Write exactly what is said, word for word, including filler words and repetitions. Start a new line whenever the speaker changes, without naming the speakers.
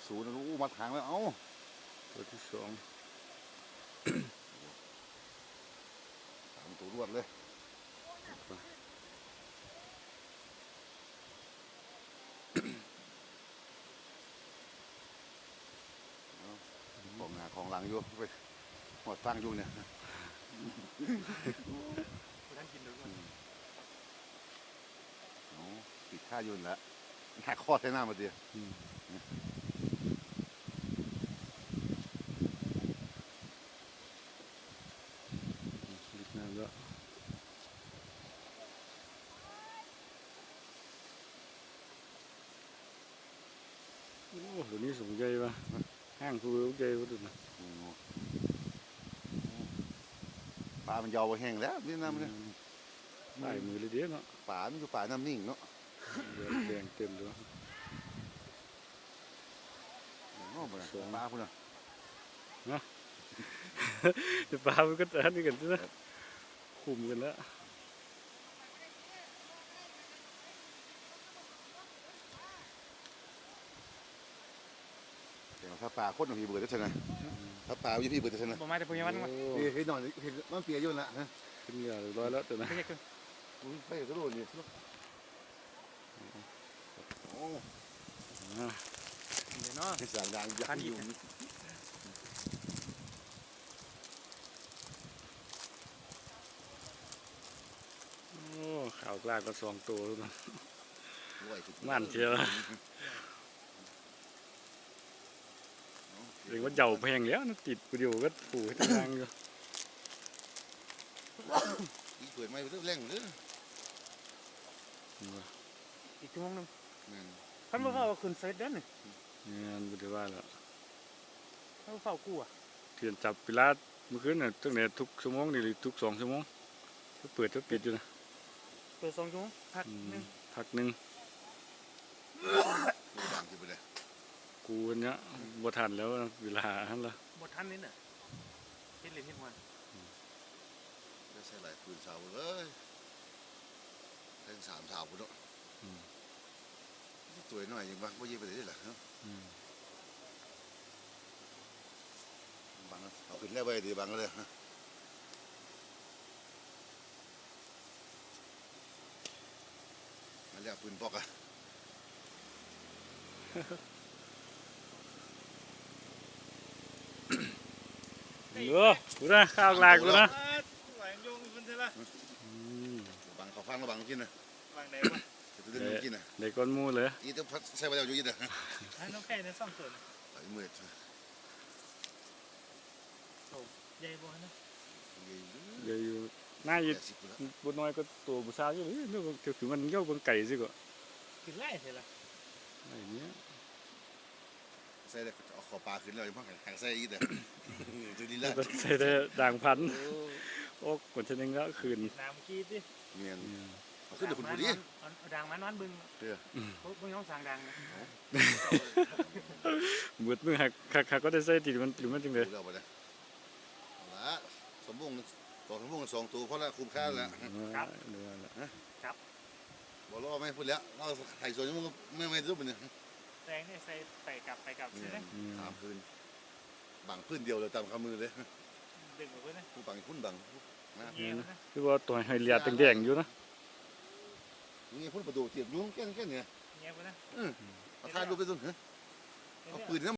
ศูนย์อู้มาทางแล้วเอ้า
ตัวที่สอง
สามตัวรวดเลยของหน้าของหลังอยู่ไปหมดฟังอยู่เนี่ยปิดค่ายุ่นแล้วหน้าคอดใช้หน้ามาเดียว
ลิกน้ำแล้วโอ้ตัวนี้สูงใหญ่ปะห้างคือใหญ่กว่าตัวนั้น
ปลามันยาวไปแห้งแล้วนี่น้ำเนี่ย
ใส่มือเลยเดียวเนาะ
ปลามันอยู่ปลาน้ำนิ่งเนาะ
แดงเต็มเลย
สองปลาคุณอ่ะ
นะปลามันก็จะนี่กันใช่ไหมคุมกันแล้ว
ถ้าปลาโคตรหนุ่มพี่เบิร์ดได้ใช่ไหมถ้าปลาอยู่พี่เบิร์ดได้ใช่ไหม
ผมมาแต่พยาวันมา
นี่เห็นหน่อยเห็นมันเปียยุ่นละฮะ
ขึ้นเรือร้อยแล้วตัวนั้น
ไม่ใช่คือ
อุ้ยไปกระโดดนี่โอ้
เดี๋ยวเนาะ
ที่สั่งดังยักษ์อยู่
โอ้ข่าวกล้าก็สองตัวแล้วนะมันเชียวเรียกว่าเจ้าแพงแล้วนะติดกูเดียวก็ผูกทางอยู่
อีเปิดไม่เริ่มแรงเลย
อีกชั่วโมงนึงท่านมาเฝ้าคืนเฟสเด้นนี่
งานบุตรว่าแล้ว
ท่านมาเฝ้ากูอ่ะ
เทียนจับปิลาเมื่อคืนน่ะตั้งแต่ทุกชั่วโมงนี่หรือทุกสองชั่วโมงก็เปิดก็ปิดอยู่นะ
เปิดสองชั่วโมงพักหนึ่ง
พักหนึ่งกูเนี้ยบ่ทันแล้วเวลาฮั่นละ
บ่ทันนี่น่ะเฮ็ดเลยเฮ็ดวัน
ได้ใส่หลายปืนสาวเลยเล่นสามสาวพุ่นเนาะตัวน้อยยังบ้างไม่ยิงไปได้หรอบังเอาขึ้นได้ไปดีบังเลยมาเรียกปืนปอกอะ
เออกูนะข้าวลากกูนะ
บังเขาฟังแล้วบังกินนะ
บังไหนวะ
จะดึงกินนะ
เด็กก้นมูเลย
อีต้องพัดใส่ไปแล้วอยู่ยินนะ
น้องแค่ในซ่องส่วน
ไอ้เมื่อย
โอ้ใหญ่บ่นะ
ใหญ่อยู่น่าอยู่บุญน้อยก็ตัวบุษราอยู่เลยนึกว่าถือมันเย้าบนไก่สิก็
กินไล่เสร็จละ
ไอ้เนี้ย
ใส่ได้เอาขอปลาขึ้นเลยเพราะหางใส่อีเด้อจุดนี้ละ
ใส่ได้ด่างพันโอ้กดชนึงแล้วคืน
น้ำขี้ดิ
เงี้ยขึ้นเดี๋ยวคุณดูดิ
ด่างมันวันบึงเด้อบึงต้องสั่งด่าง
เมื่อเมื่อหักหักก็ได้ใส่ติดมันหรือมันจริงเลย
ละสมบูรณ์สองสมบูรณ์สองตัวเพราะละคุ้มค่าแล้ว
ครับครับ
บอลล้อไม่พูดแล้วเราไถ่ส่วนยังไม่ไม่รู้เป็นยัง
แรงเนี่ยใส่ไปกลับไปกลับใช่ไหม
สามพื้นบังพื้นเดียวเลยตามคำมือเลย
ดึงออกไปนะ
ผู้บังพื้นบัง
คือว่าตัวไฮเลียแดงๆอยู่นะ
นี่พูดประตูเตียบยุ่งแค่แค่เนี่ย
เงี้ยไปนะ
เอาท่าดูไปตรงนี้เอาปืน